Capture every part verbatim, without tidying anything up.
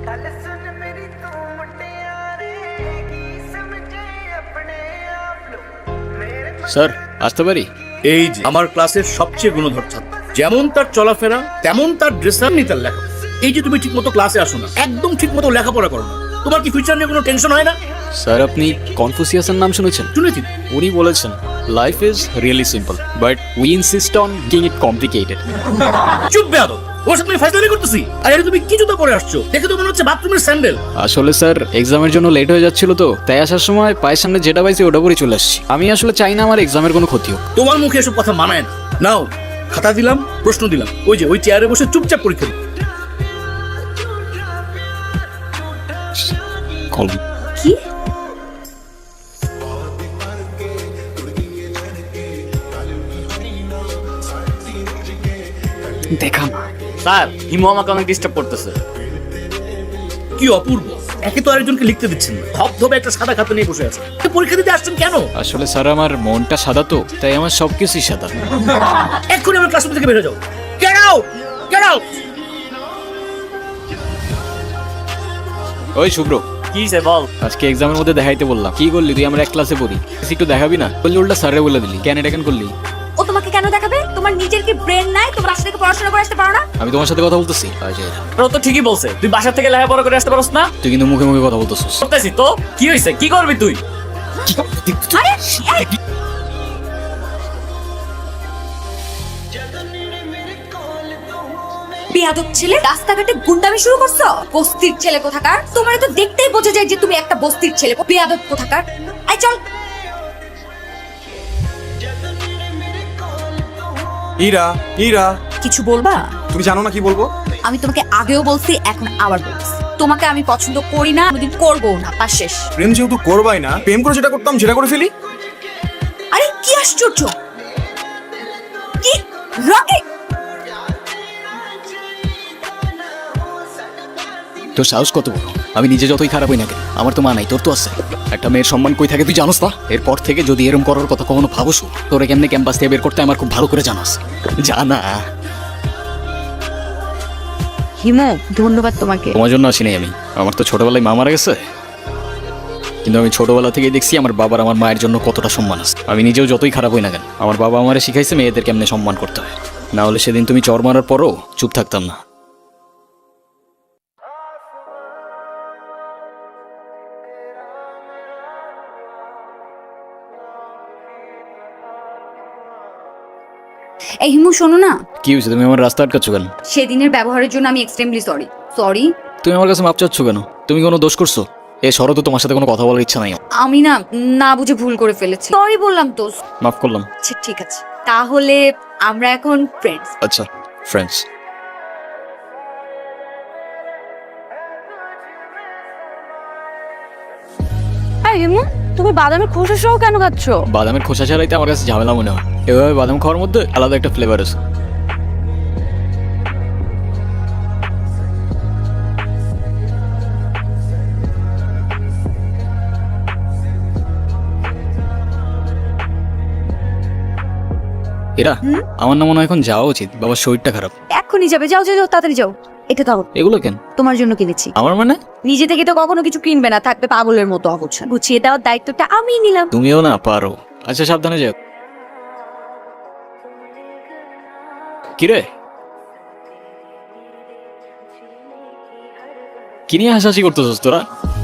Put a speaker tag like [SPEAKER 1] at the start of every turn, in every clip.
[SPEAKER 1] Sir আসতে পারি?
[SPEAKER 2] এই যে আমার ক্লাসের সবচেয়ে গুণধর ছাত্র, যেমন তার চলাফেরা তেমন তার ড্রেসার নি তার লেখা। এই যে তুমি ঠিক মতো ক্লাসে আসো না, একদম ঠিক মতো লেখাপড়া করো না, তোমার কি ফিউচার নিয়ে কোনো টেনশন হয় না?
[SPEAKER 1] স্যার আপনি কনফুসিয়াসের নাম শুনেছেন?
[SPEAKER 2] শুনেছি।
[SPEAKER 1] উনি বলেছেন life is really simple but we insist on making it complicated.
[SPEAKER 2] চুপ বেয়াদব, ওর সাথে তুমি ফাইজলামি করতেছি। আর এটা তুমি কি জুতো পরে আসছো? দেখে তো মনে হচ্ছে বাথরুমের স্যান্ডেল।
[SPEAKER 1] আসলে স্যার এক্সামের জন্য লেট হয়ে যাচ্ছিল তো, তাই আসার সময় পায়ের সামনে যেটা পাইছি ওটা পরে চলে আসছি। আমি আসলে চাই না আমার এক্সামের কোনো ক্ষতি হোক।
[SPEAKER 2] তোমার মুখে এসব কথা মানায় না। নাও খাতা দিলাম, প্রশ্ন দিলাম, ওই যে ওই চেয়ারে বসে চুপচাপ পরীক্ষা দিও।
[SPEAKER 1] কলম
[SPEAKER 3] কি?
[SPEAKER 1] দেখা না।
[SPEAKER 4] স্যার হিমু আমাকে অনেক ডিস্টার্ব করতেছে।
[SPEAKER 2] কি অপূর্ব, একে তো আরেকজনকে লিখতে দিচ্ছেন না, ধবধবে একটা সাদা খাতা নিয়ে বসে আছে। পরীক্ষা দিতে আসছেন কেন?
[SPEAKER 1] আসলে স্যার আমার মনটা সাদা তো, তাই আমার সবকিছুই সাদা।
[SPEAKER 2] এক্ষুনি আমার ক্লাসরুম থেকে বেরো যাও। Get out, get out.
[SPEAKER 1] ওই শুভ্র,
[SPEAKER 4] কি সে বল।
[SPEAKER 1] আজকে এক্সামের মধ্যে দেখাইতে বললাম, কি করলি তুই? আমরা এক ক্লাসে পড়ি, একটু দেখাবি না? বললি উল্টা স্যারে বলে দিলি, কেন এটা কেন করলি?
[SPEAKER 3] ও তোমাকে কেন দেখাবে? তোমার নিজের কি ব্রেন নাই? তোমার আসলে পড়াশোনা করে আসতে পারো না?
[SPEAKER 1] আমি তোমার সাথে কথা বলতেছি।
[SPEAKER 4] ও তো ঠিকই বলছে, তুই বাসা থেকে লেখাপড়া করে আসতে পারছ না।
[SPEAKER 1] তুই কিন্তু মুখে মুখে কথা বলতেছিস।
[SPEAKER 4] করতেছি তো, কি হয়েছে? কি করবি তুই?
[SPEAKER 3] আরে এই, বেয়াদব ছেলে, রাস্তাঘাটে গুন্ডামি শুরু করছো? বস্তির ছেলে কোথাকার। তোমার তো দেখতেই বোঝা যায় যে তুমি একটা বস্তির ছেলে। বেয়াদব কোথাকার। আই চল।
[SPEAKER 5] ইরা ইরা
[SPEAKER 3] কিছু বলবা?
[SPEAKER 5] তুমি জানো না কি বলবো?
[SPEAKER 3] আমি তোমাকে আগেও বলছি, এখন আবার বলছি, তোমাকে আমি পছন্দ করি না, কোনোদিন করবো না, পাস শেষ।
[SPEAKER 5] প্রেম যেহেতু করবাই না, প্রেম করে যেটা করতাম সেটা করে ফেলি।
[SPEAKER 3] আরে কি আশ্চর্য! কি রকেট!
[SPEAKER 1] তোর সাহস কত বড়? আমি নিজে যতই খারাপ হই না কেন, আমার তো মা নাই, তোর তো আছে। একটা মেয়ের সম্মান কই থাকে তুই জানোস না? এরপর থেকে যদি এরকম করার কথা কখনো ভাবোস, তোরে কেমনে ক্যাম্পাস থেকে বের করতে আমার খুব ভালো করে জানাস। জানা।
[SPEAKER 3] হিমু, ধন্যবাদ তোমাকে।
[SPEAKER 1] তোমার জন্য আসিনি আমি, আমার তো ছোটবেলায় মা মারা গেছে, কিন্তু আমি ছোটবেলা থেকেই দেখছি আমার বাবার আমার মায়ের জন্য কতটা সম্মান আছে। আমি নিজেও যতই খারাপ হই না কেন, আমার বাবা আমারে শিখাইছে মেয়েদের কেমনে সম্মান করতে হয়। না হলে সেদিন তুমি চর মারার পরও চুপ থাকতাম না।
[SPEAKER 3] এই হিমু, শোনো না।
[SPEAKER 1] কি হয়েছে? তুমি আমার রাস্তা আটকাচ্ছ কেন?
[SPEAKER 3] সেদিনের ব্যবহারের জন্য আমি এক্সট্রিমলি সরি। সরি।
[SPEAKER 1] তুমি আমার কাছে মাপ চাচ্ছ কেন? তুমি কোনো দোষ করছো? এ শরৎ, তোমার সাথে কোনো কথা বলার ইচ্ছা নাই।
[SPEAKER 3] আমি না না বুঝে ভুল করে ফেলেছি, সরি বললাম তো।
[SPEAKER 1] মাফ করলাম।
[SPEAKER 3] আচ্ছা ঠিক আছে, তাহলে আমরা এখন ফ্রেন্ডস।
[SPEAKER 1] আচ্ছা ফ্রেন্ডস।
[SPEAKER 3] হ্যাঁ হিমু, তুমি বাদামের খোসা সহ কেন খাচ্ছ?
[SPEAKER 1] বাদামের খোসা ছাড়াইতে আমার কাছে ঝামেলা মনে হয়। এভাবে বাদাম খাওয়ার মধ্যে আলাদা একটা ফ্লেভার আছে। এরা আমার না মনে হয় এখন যাওয়া উচিত, বাবার শরীরটা খারাপ।
[SPEAKER 3] এক্ষুনি যাবে? যাও যাও যাও, তাড়াতাড়ি যাও। এটা দাও,
[SPEAKER 1] এগুলো কেন?
[SPEAKER 3] তোমার জন্য কিনেছি।
[SPEAKER 1] আমার মানে?
[SPEAKER 3] নিজে থেকে তো কখনো কিছু কিনবে না, থাকবে পাগলের মতো অগোছালো। গুছিয়ে দেওয়ার দায়িত্বটা আমি নিলাম।
[SPEAKER 1] তুমিও না পারো। আচ্ছা সাবধানে যাও। কিরে, কি নিয়ে হাসাহাসি করতেছিস তোরা?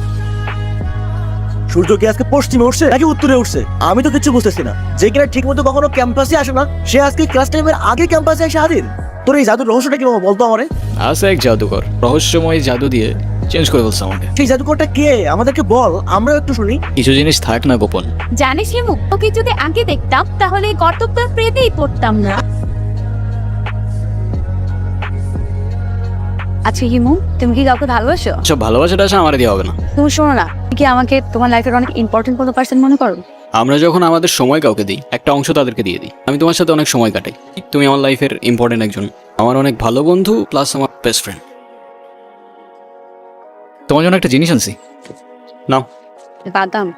[SPEAKER 6] সূর্য কি আজকে পশ্চিমে উঠছে নাকি উত্তরে উঠছে? আমি তো কিছু বুঝতেছি না। যে কিনা ঠিক মতো কখনো ক্যাম্পাসে আসে না, সে আজকে ক্লাস টাইমের আগে ক্যাম্পাসে এসে হাজির। তোর এই জাদুর রহস্যটা কি বাবা, বলতো আমারে।
[SPEAKER 1] আছে এক জাদুকর, রহস্যময় জাদু দিয়ে চেঞ্জ করে বলছে আমাকে।
[SPEAKER 6] সেই জাদুকরটা কে আমাদেরকে বল, আমরাও একটু শুনি।
[SPEAKER 1] কিছু জিনিস থাক না গোপন।
[SPEAKER 7] জানিস হিমু, ওকে যদি আগে দেখতাম তাহলে কর্তব্য প্রেতেই পড়তাম না।
[SPEAKER 3] আচ্ছা হিমু, তুমি কি কাউকে ভালোবাসো?
[SPEAKER 1] সব ভালোবাসাটা আসে আমার দিয়ে হবে না।
[SPEAKER 3] তুমি শোনো না, কি আমাকে তোমার লাইফের অনেক ইম্পর্টেন্ট কোনো পার্সন মনে করো?
[SPEAKER 1] আমরা যখন আমাদের সময় কাউকে দিই, একটা অংশ তাদেরকে দিয়ে দিই। আমি তোমার সাথে অনেক সময় কাটাই, তুমি আমার লাইফের ইম্পর্টেন্ট একজন, আমার অনেক ভালো বন্ধু প্লাস আমার বেস্ট ফ্রেন্ড। তোমার জন্য একটা জিনিস আনছি, নাও।
[SPEAKER 3] বাদাম?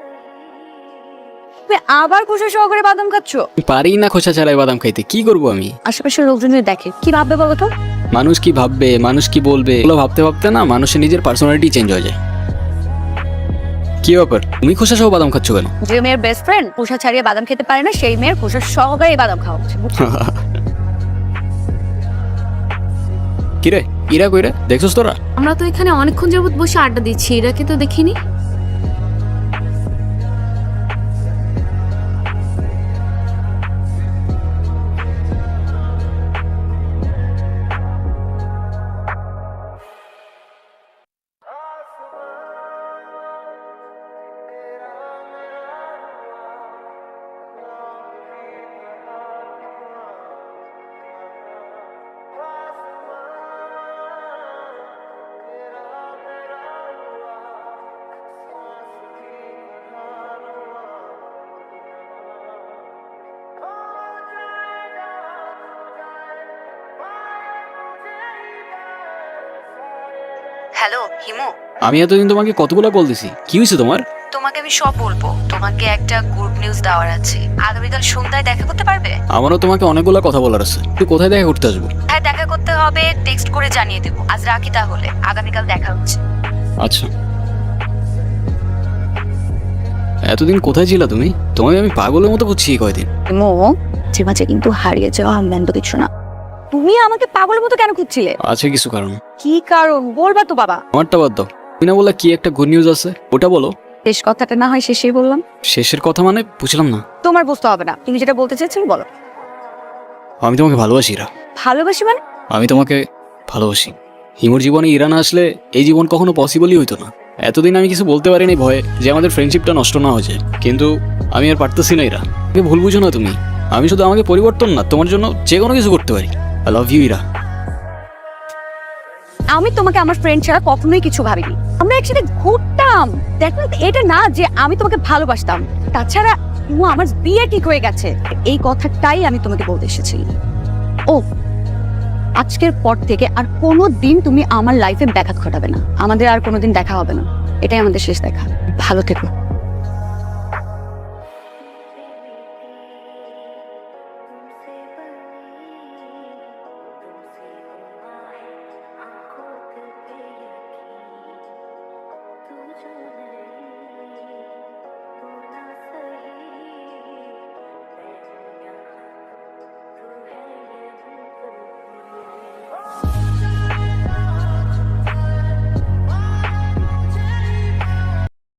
[SPEAKER 3] তুমি আবার খোসা সহকারে বাদাম খাচ্ছ?
[SPEAKER 1] পারি না খোসা ছাড়াই বাদাম খাইতে, কি করবো আমি?
[SPEAKER 3] আশেপাশের লোকজন দেখে কি ভাববে বলো তো?
[SPEAKER 8] মানুষ কি ভাববে, মানুষ কি বলবে, এগুলো ভাবতে ভাবতে না মানুষের নিজের পার্সোনালিটি চেঞ্জ হয়ে যায়। কি ব্যাপার, তুমি খোসা সহ বাদাম খাচ্ছ কেন?
[SPEAKER 3] যে মেয়ের বেস্ট ফ্রেন্ড খোসা ছাড়িয়ে বাদাম খেতে পারে না, সেই মেয়ের খোসা সহকারে বাদাম খাওয়া উচিত।
[SPEAKER 8] কিরে ইরা কইরা দেখছস তোরা?
[SPEAKER 7] আমরা তো এখানে অনেকক্ষণ যাবত বসে আড্ডা দিচ্ছি, এরাকে তো দেখিনি।
[SPEAKER 3] হ্যালো হিমু,
[SPEAKER 8] আমি এতদিন তোমাকে কতগুলো কল দিছি, কি হয়েছে তোমার?
[SPEAKER 3] তোমাকে আমি সব বলবো। তোমাকে একটা গুড নিউজ দেওয়ার আছে। আগামীকাল সন্ধ্যায় দেখা করতে পারবে?
[SPEAKER 8] আমারও তোমাকে অনেকগুলো কথা বলার আছে। তুই কোথায় দেখা করতে আসবো?
[SPEAKER 3] হ্যাঁ দেখা করতে হবে, টেক্সট করে জানিয়ে দেবো। আজ রাখি তাহলে, আগামীকাল দেখা হচ্ছে।
[SPEAKER 8] আচ্ছা। এতদিন কোথায় ছিলা তুমি? তোমাকে আমি পাগলের মতো বুঝছি এই কয়দিন।
[SPEAKER 3] হিমু, যে মাঝে কিন্তু হারিয়ে যাওয়া আমলান কিছু না। তুমি আমাকে পাগলের মতো কেন খুঁজছিলে?
[SPEAKER 8] আছে কিছু কারণ।
[SPEAKER 3] কি কারণ বলবা তো বাবা।
[SPEAKER 8] আমারটা বাদ দাও, তুমি না বললা কি একটা গুড নিউজ আছে, ওটা বলো।
[SPEAKER 3] শেষ কথাটা না হয় শেষেই বললাম।
[SPEAKER 8] শেষের কথা মানে বুঝলাম না।
[SPEAKER 3] তোমার বুঝতে হবে না, তুমি যেটা বলতে চেয়েছিলে বলো।
[SPEAKER 8] আমি তোমাকে ভালোবাসি ইরা।
[SPEAKER 3] ভালোবাসি মানে?
[SPEAKER 1] আমি তোমাকে ভালোবাসি।
[SPEAKER 8] হিমুর জীবনে ইরা না আসলে এই জীবন কখনো পসিবলই হইতো না। এতদিন আমি কিছু বলতে পারিনি ভয়ে যে আমাদের ফ্রেন্ডশিপটা নষ্ট না হয়েছে, কিন্তু আমি আর পারতেছি না ইরা। তুমি ভুল বুঝো না তুমি, আমি শুধু আমাকে পরিবর্তন না তোমার জন্য যে কোনো কিছু করতে পারি। I love you Ira.
[SPEAKER 3] আমি তোমাকে আমার ফ্রেন্ড ছাড়া কখনোই কিছু ভাবিনি। আমরা একসাথে ঘুরতাম, দেখো এটা না যে আমি তোমাকে ভালোবাসতাম। তাছাড়া ও আমার বিয়ে ঠিক হয়ে গেছে, এই কথাটাই আমি তোমাকে বলতে এসেছি। ও আজকের পর থেকে আর কোনো দিন তুমি আমার লাইফে ব্যাঘাত ঘটাবে না। আমাদের আর কোনোদিন দেখা হবে না, এটাই আমাদের শেষ দেখা। ভালো থেকো।